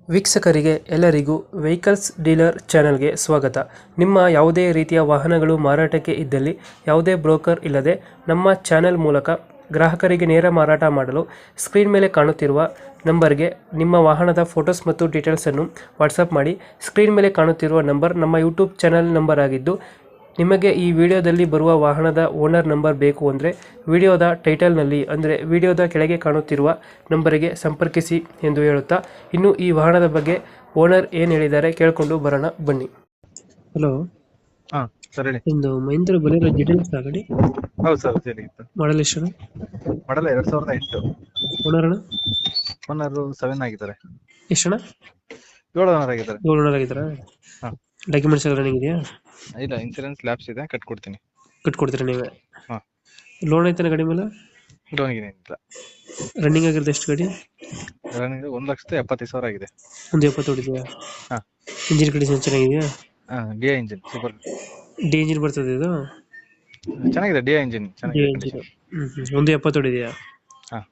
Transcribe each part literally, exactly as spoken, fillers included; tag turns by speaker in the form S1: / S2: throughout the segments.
S1: ವೀಕ್ಷಕರಿಗೆ ಎಲ್ಲರಿಗೂ vehicles dealer ಚಾನೆಲ್ಗೆ ಸ್ವಾಗತ. ನಿಮ್ಮ ಯಾವುದೇ ರೀತಿಯ ವಾಹನಗಳು ಮಾರಾಟಕ್ಕೆ ಇದ್ದಲ್ಲಿ ಯಾವುದೇ ಬ್ರೋಕರ್ ಇಲ್ಲದೆ ನಮ್ಮ ಚಾನೆಲ್ ಮೂಲಕ ಗ್ರಾಹಕರಿಗೆ ನೇರ ಮಾರಾಟ ಮಾಡಲು ಸ್ಕ್ರೀನ್ ಮೇಲೆ ಕಾಣುತ್ತಿರುವ ನಂಬರ್ಗೆ ನಿಮ್ಮ ವಾಹನದ ಫೋಟೋಸ್ ಮತ್ತು ಡೀಟೇಲ್ಸನ್ನು ವಾಟ್ಸಪ್ ಮಾಡಿ. ಸ್ಕ್ರೀನ್ ಮೇಲೆ ಕಾಣುತ್ತಿರುವ ನಂಬರ್ ನಮ್ಮ ಯೂಟ್ಯೂಬ್ ಚಾನೆಲ್ ನಂಬರ್ ಆಗಿದ್ದು, ನಿಮಗೆ ಈ ವಿಡಿಯೋದಲ್ಲಿ ಬರುವ ವಾಹನದ ಓನರ್ ನಂಬರ್ ಬೇಕು ಅಂದರೆ ವಿಡಿಯೋದ ಟೈಟಲ್ನಲ್ಲಿ ಅಂದರೆ ವಿಡಿಯೋದ ಕೆಳಗೆ ಕಾಣುತ್ತಿರುವ ನಂಬರಿಗೆ ಸಂಪರ್ಕಿಸಿ ಎಂದು ಹೇಳುತ್ತಾ, ಇನ್ನು ಈ ವಾಹನದ ಬಗ್ಗೆ ಓನರ್ ಏನು ಹೇಳಿದ್ದಾರೆ ಕೇಳಿಕೊಂಡು ಬರೋಣ ಬನ್ನಿ. ಹಲೋ,
S2: ಹಾ ಸರ್ ಹೇಳಿ.
S1: ಇಂದು ಮಹೇಂದ್ರ ಬಲೇರೋ ಡೀಟೇಲ್ಸ್ ಆಗಡಿ
S2: ಹೌದು ಸರ್ ಸರಿ ಇತ್ತು.
S1: ಮಾಡಲ್ ಎಷ್ಟು?
S2: ಮಾಡಲ್ಲ ಎರಡ್ ಸಾವಿರದ ಎಂಟು.
S1: ಓನರ್ ಅಣ್ಣ
S2: ಓನರ್ ಸೆವೆನ್ ಆಗಿದ್ದಾರೆ.
S1: ಎಷ್ಟಣ್ಣ?
S2: ಏಳು ಓನರ್ ಆಗಿದ್ದಾರೆ.
S1: ಏಳು ಓನರ್ ಆಗಿದ್ದಾರಾ?
S2: ಹಾ.
S1: ಡಾಕ್ಯುಮೆಂಟ್ಸ್ ಎಲ್ಲ ರನ್ನಿಂಗ್ ಇದೆಯಾ?
S2: ಇಲ್ಲ, ಇನ್ಸೂರೆನ್ಸ್ ಲ್ಯಾಬ್ಸ್ ಇದೆ, ಕಟ್ಕೊಡ್ತೀನಿ.
S1: ಕಟ್ಕೊಡ್ತೀರಾ ನೀವೇ?
S2: ಹಾ.
S1: ಲೋನ್ ಐತಾನ ಗಾಡಿ ಮೇಲೆ?
S2: ಲೋನ್ ಏನಿಲ್ಲ.
S1: ರನ್ನಿಂಗ್ ಆಗಿರೋದು ಎಷ್ಟು ಗಾಡಿ?
S2: ರನ್ನಿಂಗ್ ಒಂದ್ ಲಕ್ಷದ ಎಪ್ಪತ್ತೈದು ಸಾವಿರ ಆಗಿದೆ.
S1: ಒಂದು ಎಪ್ಪತ್ತು ಹೊಡಿದೆಯಾ?
S2: ಹಾ.
S1: ಇಂಜಿನ್ ಕಂಡೀಷನ್ ಚೆನ್ನಾಗಿದೆಯಾ?
S2: ಹಾ, D I engine super.
S1: D engine ಬರ್ತದೆ ಇದು?
S2: ಚೆನ್ನಾಗಿದೆ, ಡಿ ಐ ಇಂಜಿನ್
S1: ಡಿ
S2: ಚೆನ್ನಾಗಿದೆ.
S1: ಇಂಜಿನ್. Hmm hmm. ಒಂದು ಎಪ್ಪತ್ತು ಹೊಡಿದೆಯಾ?
S2: ಹಾ.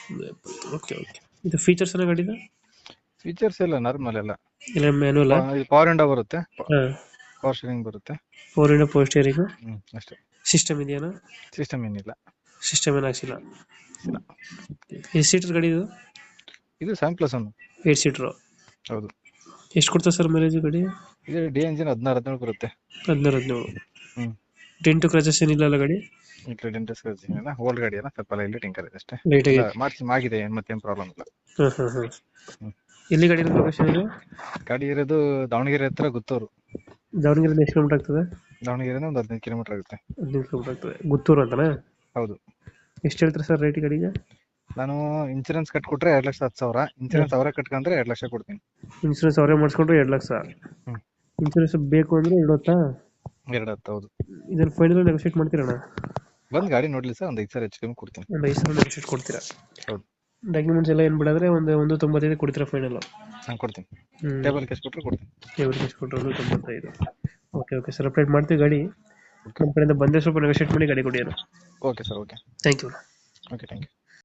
S1: Okay okay. ಇದು ಫೀಚರ್ಸ್ ಎಲ್ಲ ಗಾಡಿದ?
S2: ಫೀಚರ್ಸ್ ಎಲ್ಲ ನಾರ್ಮಲ್ ಎಲ್ಲ.
S1: ಇಲ್ಲ ಮ್ಯಾನುವಲ್?
S2: ಪವರ್ ವಿಂಡೋ ಬರುತ್ತೆ,
S1: ಹಾ.
S2: ಪವರ್ ಸ್ಟೀರಿಂಗ್ ಬರುತ್ತೆ.
S1: Four window power steering.
S2: Hmm ಅಷ್ಟೇ.
S1: ಸಿಸ್ಟಮ್ ಇದೆಯಾ?
S2: ಸಿಸ್ಟಮ್ ಏನಿಲ್ಲ.
S1: ಸಿಸ್ಟಮ್ ಏನು ಹಾಕ್ಸಿಲ್ಲ.
S2: ಇಲ್ಲ.
S1: ಎಷ್ಟು ಸೀಟರ್ ಗಾಡಿ ಇದು?
S2: ಇದು seven plus one.
S1: Eight seater.
S2: ಹೌದು.
S1: ಎಷ್ಟು ಕೊಡ್ತಾ ಸರ್ ಮೈಲೇಜ್ ಗಾಡಿ?
S2: ಇದು ಡಿ ಇಂಜಿನ್ ಹದಿನಾರು ಹದಿನೇಳು ಬರುತ್ತೆ.
S1: ಹದಿನಾರು ಹದಿನೇಳು.
S2: ಹ್ಮ್.
S1: ಡೆಂಟು ಕ್ರಚಸ್ ಏನಿಲ್ಲ ಅಲ್ಲ ಗಾಡಿ?
S2: ಇಲ್ಲ, ಓಲ್ಡ್ ಗಾಡಿ ಅಲ್ಲ, ಸ್ವಲ್ಪ ಇಲ್ಲಿ ಟಿಂಕರ್ ಇದೆ ಅಷ್ಟೇ.
S1: ಲೈಟ್ ಆಗಿ
S2: ಮಾಡಿಸಿ ಆಗಿದೆ, ಮತ್ತೇನು ಪ್ರಾಬ್ಲಮ್ ಇಲ್ಲ.
S1: ಹಾಂ ಹಾಂ ಹಾಂ. ಎಲ್ಲಿ ಗಾಡಿ ಲೊಕೇಶನ್ ಇದು?
S2: ಗಾಡಿ ಇರೋದು ದಾವಣಗೆರೆ ಹತ್ರ ಗುತ್ತೂರು.
S1: ದಾವಣಗೆರೆ ಎಷ್ಟು ಕಿಲೋಮೀಟರ್ ಆಗ್ತದೆ?
S2: ದಾವಣಗೆರೆ ಒಂದು ಹದಿನೈದು ಕಿಲೋಮೀಟರ್ ಆಗುತ್ತೆ.
S1: ಹದಿನೈದು ಕಿಲೋಮೀಟರ್ ಆಗ್ತದೆ. ಗುತ್ತೂರು ಅಂತನಾ?
S2: ಹೌದು.
S1: ಎಷ್ಟು ಹೇಳ್ತಾರೆ ಸರ್ ರೇಟ್ ಗಾಡಿಗೆ?
S2: ನಾನು ಇನ್ಸೂರೆನ್ಸ್ ಕಟ್ಕೊಟ್ರೆ ಎರಡ್ ಲಕ್ಷ ಹತ್ತು ಸಾವಿರ, ಇನ್ಸೂರೆನ್ಸ್ ಅವರೇ ಕಟ್ಕೊಂಡ್ರೆ ಎರಡ್ ಲಕ್ಷ ಕೊಡ್ತೀನಿ.
S1: ಇನ್ಸೂರೆನ್ಸ್ ಅವರೇ ಮಾಡಿಸ್ಕೊಂಡ್ರೆ ಎರಡು ಲಕ್ಷ.
S2: ಹ್ಮ್.
S1: ಇನ್ಸೂರೆನ್ಸ್ ಬೇಕು ಅಂದ್ರೆ ಎರಡು ಹೊತ್ತಾ?
S2: ಎರಡು ಹತ್ತು. ಹೌದು.
S1: ಇದನ್ನ ಫೈನಲ್ ನೆಗೋಶಿಯೇಟ್ ಮಾಡ್ತೀರಣ್ಣ?
S2: ಬಂದ್ ಗಾಡಿ ನೋಡ್ಲಿ ಸರ್, ಒಂದು ಐದು ಸಾವಿರ ಹೆಚ್ಚು ಕಮ್ಮಿ ಕೊಡ್ತೀನಿ.
S1: ಒಂದು ಐದು ಸಾವಿರ ನೆಗೋಶಿಯೇಟ್ ಕೊಡ್ತೀರಾ?
S2: ಹೌದು.
S1: ಡಾಕ್ಯುಮೆಂಟ್ಸ್ ಎಲ್ಲ ಏನು ಬಿಡಾದ್ರೆ ಒಂದು ಒಂದು ತೊಂಬತ್ತೈದು ಕೊಡ್ತೀರಾ ಫೈನಲ್?
S2: ನಾನು ಕೊಡ್ತೀನಿ.
S1: ಹ್ಞೂ.
S2: ಟೇಬಲ್ ಕ್ಯಾಶ್ ಕೊಟ್ಟರೆ ಕೊಡ್ತೀನಿ.
S1: ಟೇಬಲ್ ಕ್ಯಾಶ್ ಕೊಟ್ಟರೆ ಒಂದು ತೊಂಬತ್ತೈದು. ಓಕೆ ಓಕೆ ಸರ್, ಅಪ್ಡೇಟ್ ಮಾಡ್ತೀವಿ ಗಾಡಿ. ನಮ್ಮ ಕಡೆಯಿಂದ ಬಂದರೆ ಸ್ವಲ್ಪ ನೆಗೋಶಿಯೇಟ್ ಮಾಡಿ ಗಾಡಿ ಕೊಡಿ.
S2: Okay sir, okay.
S1: Thank you.
S2: Okay, thank you.